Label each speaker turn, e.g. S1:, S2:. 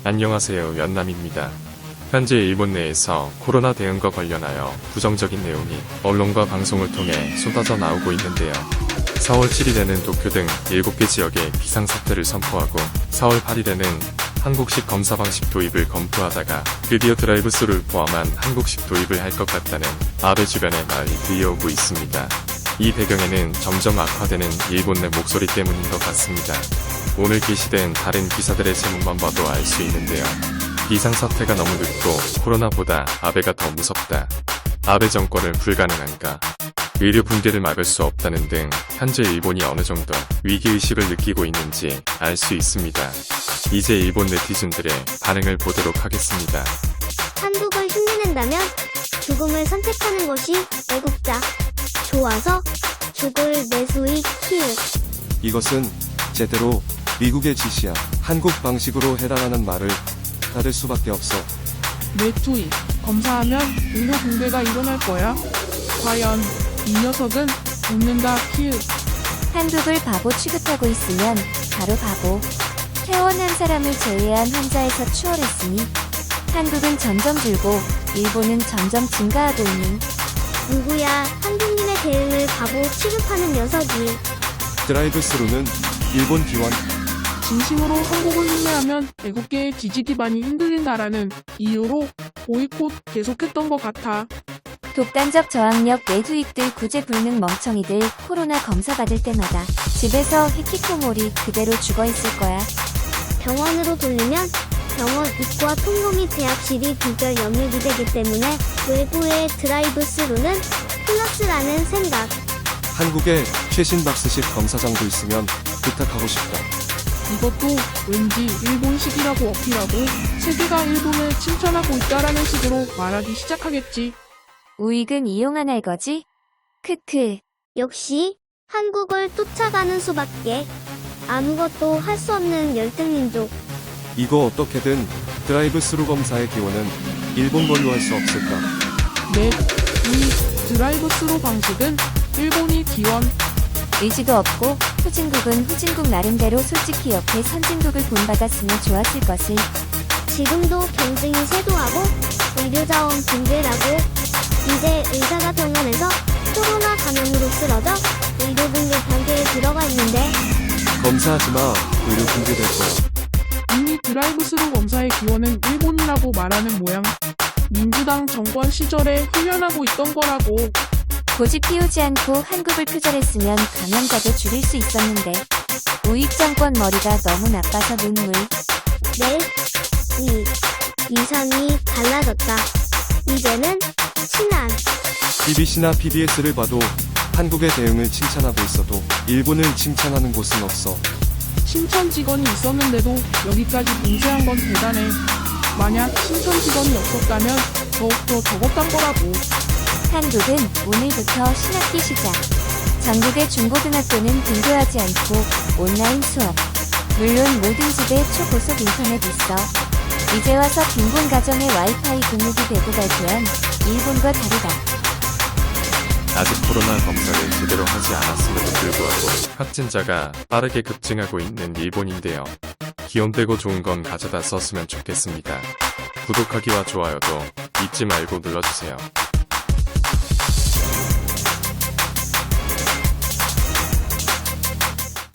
S1: 안녕하세요. 연남입니다. 현재 일본 내에서 코로나 대응과 관련하여 부정적인 내용이 언론과 방송을 통해 쏟아져 나오고 있는데요. 4월 7일에는 도쿄 등 7개 지역에 비상사태를 선포하고 4월 8일에는 한국식 검사 방식 도입을 검토하다가 드디어 드라이브스루를 포함한 한국식 도입을 할 것 같다는 아베 주변의 말이 들려오고 있습니다. 이 배경에는 점점 악화되는 일본 내 목소리 때문인 것 같습니다. 오늘 게시된 다른 기사들의 제목만 봐도 알 수 있는데요. 비상사태가 너무 늦고 코로나보다 아베가 더 무섭다. 아베 정권을 불가능한가. 의료 붕괴를 막을 수 없다는 등 현재 일본이 어느 정도 위기의식을 느끼고 있는지 알 수 있습니다. 이제 일본 네티즌들의 반응을 보도록 하겠습니다.
S2: 한국을 흉내낸다면 죽음을 선택하는 것이 애국자. 좋아서 죽을 내수익 키읔.
S3: 이것은 제대로 미국의 지시야. 한국 방식으로 해라라는 말을 따를 수밖에 없어.
S4: 내 투입. 검사하면 의료 붕괴가 일어날 거야. 과연 이 녀석은 웃는다 키읔.
S5: 한국을 바보 취급하고 있으면 바로 바보. 퇴원한 사람을 제외한 환자에서 추월했으니 한국은 점점 줄고 일본은 점점 증가하고 있는.
S2: 누구야 한국민의 대응을 바보 취급하는 녀석이.
S3: 드라이브스루는 일본 기원.
S4: 진심으로 한국을 흉내하면 애국계의 지지 기반이 흔들린다라는 이유로 보이콧 계속했던 것 같아.
S5: 독단적 저항력 내수익들 구제 불능 멍청이들 코로나 검사 받을 때마다 집에서 히키코모리 그대로 죽어있을 거야.
S2: 병원으로 돌리면 병원 입구와 통로및 대합실이 비결 염려이 되기 때문에 외부의 드라이브스루는 플러스라는 생각.
S3: 한국에 최신 박스식 검사장도 있으면 부탁하고 싶다.
S4: 이것도 왠지 일본식이라고 어필하고 세계가 일본을 칭찬하고 있다라는 식으로 말하기 시작하겠지.
S5: 우익은 이용한 알거지? 크크.
S2: 역시 한국을 쫓아가는 수밖에. 아무것도 할 수 없는 열등민족.
S3: 이거 어떻게든 드라이브스루 검사의 기원은 일본 걸로 할 수 없을까?
S4: 넷, 이 드라이브스루 방식은 일본이 기원.
S5: 의지도 없고 후진국은 후진국 나름대로 솔직히 옆에 선진국을 본받았으면 좋았을 것을.
S2: 지금도 경쟁이 쇄도하고 의료자원 붕괴라고. 이제 의사가 병원에서 코로나 감염으로 쓰러져 의료 붕괴 단계에 들어가 있는데
S3: 검사하지마. 의료 붕괴될 거야.
S4: 이미 드라이브스루 검사의 기원은 일본이라고 말하는 모양. 민주당 정권 시절에 훈련하고 있던 거라고.
S5: 고집 피우지 않고 한국을 표절했으면 감염자도 줄일 수 있었는데 우익 정권 머리가 너무 나빠서 눈물.
S2: 넷, 이상이 달라졌다. 이제는 친한.
S3: BBC나 PBS를 봐도 한국의 대응을 칭찬하고 있어도 일본을 칭찬하는 곳은 없어.
S4: 친천 직원이 있었는데도 여기까지 봉쇄한 건 대단해. 만약 친천 직원이 없었다면 더욱더 적었단 거라고.
S5: 한국은 오늘부터 신학기 시작. 전국의 중고등학교는 등교하지 않고 온라인 수업. 물론 모든 집에 초고속 인터넷 있어. 이제 와서 빈곤 가정의 와이파이 공급이 되고 발표한 일본과 다르다.
S1: 아직 코로나 검사를 제대로 하지 않았음에도 불구하고 확진자가 빠르게 급증하고 있는 일본인데요. 기원되고 좋은 건 가져다 썼으면 좋겠습니다. 구독하기와 좋아요도 잊지 말고 눌러주세요.